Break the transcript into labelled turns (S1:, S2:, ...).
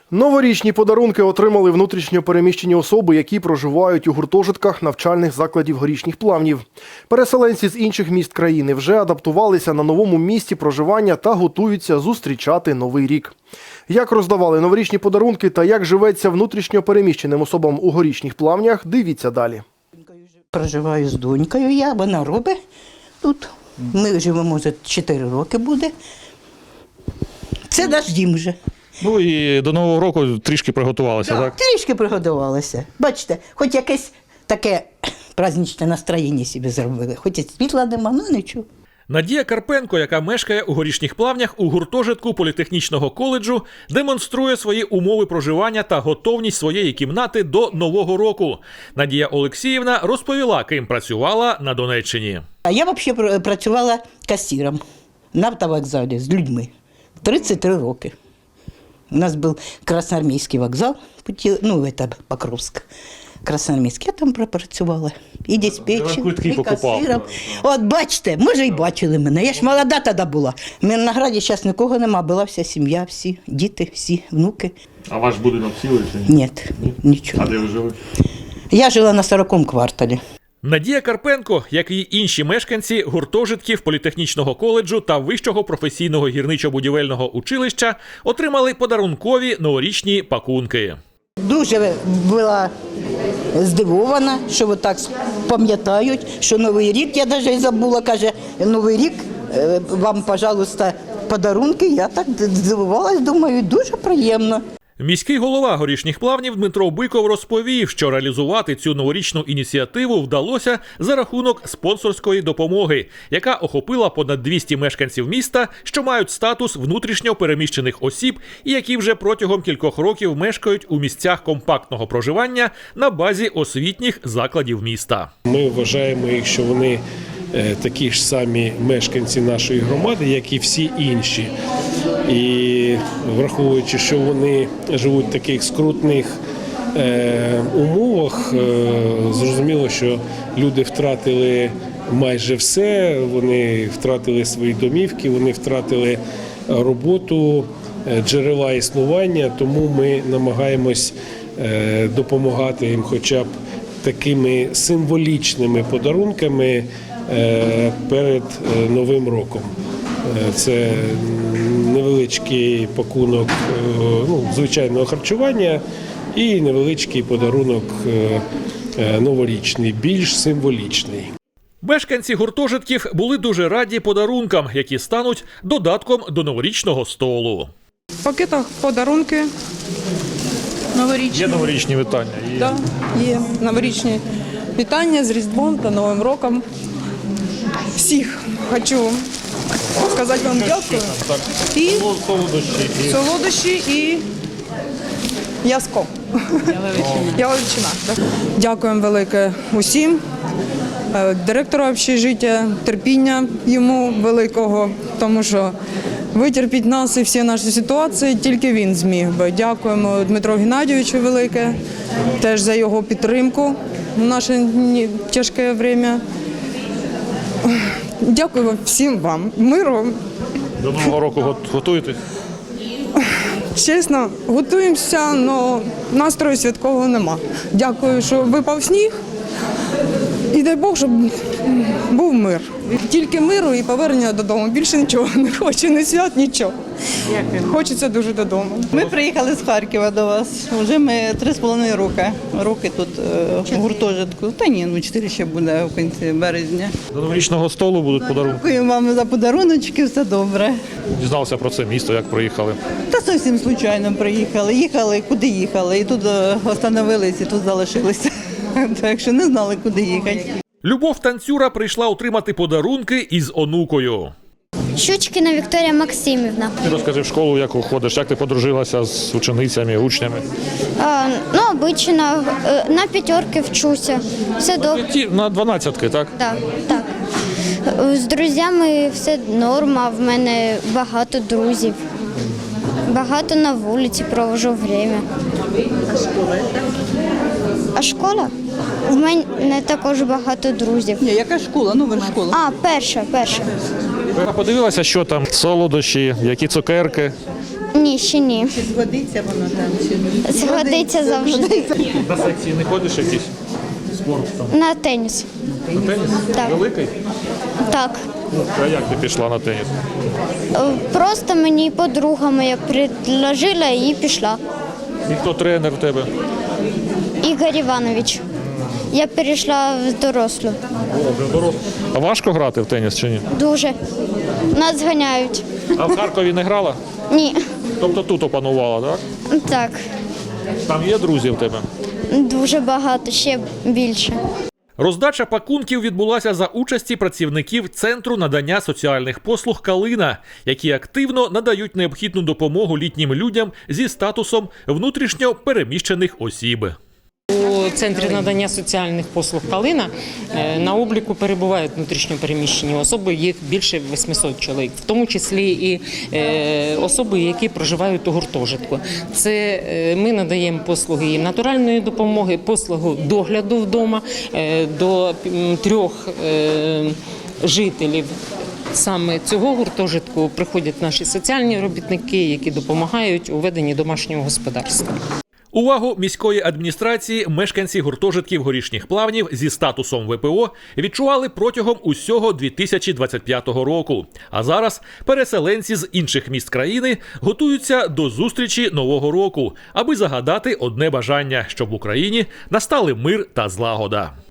S1: Новорічні подарунки отримали внутрішньо переміщені особи, які проживають у гуртожитках навчальних закладів Горішніх Плавнів. Переселенці з інших міст країни вже адаптувалися на новому місці проживання та готуються зустрічати Новий рік. Як роздавали новорічні подарунки та як живеться внутрішньо переміщеним особам у Горішніх Плавнях, дивіться далі.
S2: Проживаю з донькою, вона робить тут. Ми живемо вже 4 роки буде. Це наш дім вже.
S3: Ну і до Нового року трішки приготувалися, так?
S2: Трішки приготувалися. Бачите, хоч якесь таке праздничне настроєння собі зробили. Хоч і світла нема, ну нічого.
S4: Надія Карпенко, яка мешкає у Горішніх Плавнях у гуртожитку політехнічного коледжу, демонструє свої умови проживання та готовність своєї кімнати до Нового року. Надія Олексіївна розповіла, ким працювала на Донеччині.
S2: Я взагалі працювала касиром на автовокзалі з людьми. 33 роки. У нас був Красноармійський вокзал, Покровськ. Красноармійський, я там пропрацювала. І диспетчером, і касиром. От бачите, може і бачили мене. Я ж молода тоді була. У мене на граді зараз нікого нема, була вся сім'я, всі діти, всі внуки.
S3: А ваш будинок цілий чи ні?
S2: Ні, нічого.
S3: А де ви жили?
S2: Я жила на 40-му кварталі.
S4: Надія Карпенко, як і інші мешканці гуртожитків політехнічного коледжу та Вищого професійного гірничо-будівельного училища, отримали подарункові новорічні пакунки.
S2: Дуже була здивована, що отак пам'ятають, що Новий рік, я навіть і забула, каже, Новий рік, вам, пожалуйста, подарунки. Я так здивувалась, думаю, дуже приємно.
S4: Міський голова Горішніх Плавнів Дмитро Биков розповів, що реалізувати цю новорічну ініціативу вдалося за рахунок спонсорської допомоги, яка охопила понад 200 мешканців міста, що мають статус внутрішньо переміщених осіб і які вже протягом кількох років мешкають у місцях компактного проживання на базі освітніх закладів міста.
S5: Ми вважаємо їх, що вони такі ж самі мешканці нашої громади, як і всі інші. І враховуючи, що вони живуть в таких скрутних умовах, зрозуміло, що люди втратили майже все, вони втратили свої домівки, вони втратили роботу, джерела існування, тому ми намагаємось допомагати їм хоча б такими символічними подарунками перед Новим роком. Це невеличкий пакунок звичайного харчування і невеличкий подарунок новорічний, більш символічний.
S4: Мешканці гуртожитків були дуже раді подарункам, які стануть додатком до новорічного столу.
S6: В пакетах подарунки новорічні.
S3: Є новорічні вітання?
S6: Так, є новорічні вітання з Різдвом та Новим роком. Всіх хочу сказати вам дякую. І солодощі і м'яско. Яловичина. Дякуємо велике усім. Директору общежиття, терпіння йому великого, тому що витерпіть нас і всі наші ситуації тільки він зміг би. Дякуємо Дмитру Геннадійовичу велике, теж за його підтримку в наше тяжке час. Дякую всім вам. Миру.
S3: До Нового року готуєтесь?
S6: Чесно, готуємося, але настрою святкового нема. Дякую, що випав сніг. І дай Бог, щоб був мир. Тільки миру і повернення додому. Більше нічого не хочу, ні свят, нічого. Хочеться дуже додому.
S7: Ми приїхали з Харкова до вас. Вже ми 3,5 роки тут в гуртожитку. Та ні, 4 ще буде в кінці березня.
S3: До новорічного столу будуть подарунки?
S7: Дякую вам за подаруночки, все добре.
S3: Дізналися про це місто, як приїхали?
S7: Та зовсім случайно приїхали. Їхали, куди їхали. І тут остановились, і тут залишилися. Так що не знали, куди їхати.
S4: Любов Танцюра прийшла отримати подарунки із онукою.
S8: Щучкіна Вікторія Максимівна.
S3: Ти розкажи в школу, як ходиш, як ти подружилася з ученицями, учнями?
S8: Обично, на 5 вчуся. Все добре.
S3: На 12-ки, так?
S8: Так. З друзями все норма, в мене багато друзів. Багато на вулиці провожу время.
S7: А школа?
S8: А школа? В мене також багато друзів.
S7: Ні, яка школа? Нова школа.
S8: Перша.
S3: Ви подивилася, що там? Солодощі, які цукерки?
S8: Ні, ще ні.
S7: Чи згодиться воно там, чи ні?
S8: Згодиться завжди.
S3: На секції не ходиш якийсь спорт там?
S8: На теніс.
S3: На теніс?
S8: Так.
S3: Великий?
S8: Так.
S3: А як ти пішла на теніс?
S8: Просто мені подруга моя предложила і пішла.
S3: І хто тренер в тебе?
S8: Ігор Іванович. Я перейшла в дорослу.
S3: А важко грати в теніс чи ні?
S8: Дуже. Нас зганяють.
S3: А в Харкові не грала?
S8: Ні.
S3: Тобто тут опанувала, так?
S8: Так.
S3: Там є друзі в тебе?
S8: Дуже багато, ще більше.
S4: Роздача пакунків відбулася за участі працівників Центру надання соціальних послуг «Калина», які активно надають необхідну допомогу літнім людям зі статусом внутрішньо переміщених осіб.
S9: У Центрі надання соціальних послуг «Калина» на обліку перебувають внутрішньо переміщені особи, їх більше 800 чоловік, в тому числі і особи, які проживають у гуртожитку. Це ми надаємо послуги їм натуральної допомоги, послугу догляду вдома до 3 жителів. Саме цього гуртожитку приходять наші соціальні робітники, які допомагають у веденні домашнього господарства.
S4: Увагу міської адміністрації мешканці гуртожитків Горішніх Плавнів зі статусом ВПО відчували протягом усього 2025 року. А зараз переселенці з інших міст країни готуються до зустрічі Нового року, аби загадати одне бажання, щоб в Україні настали мир та злагода.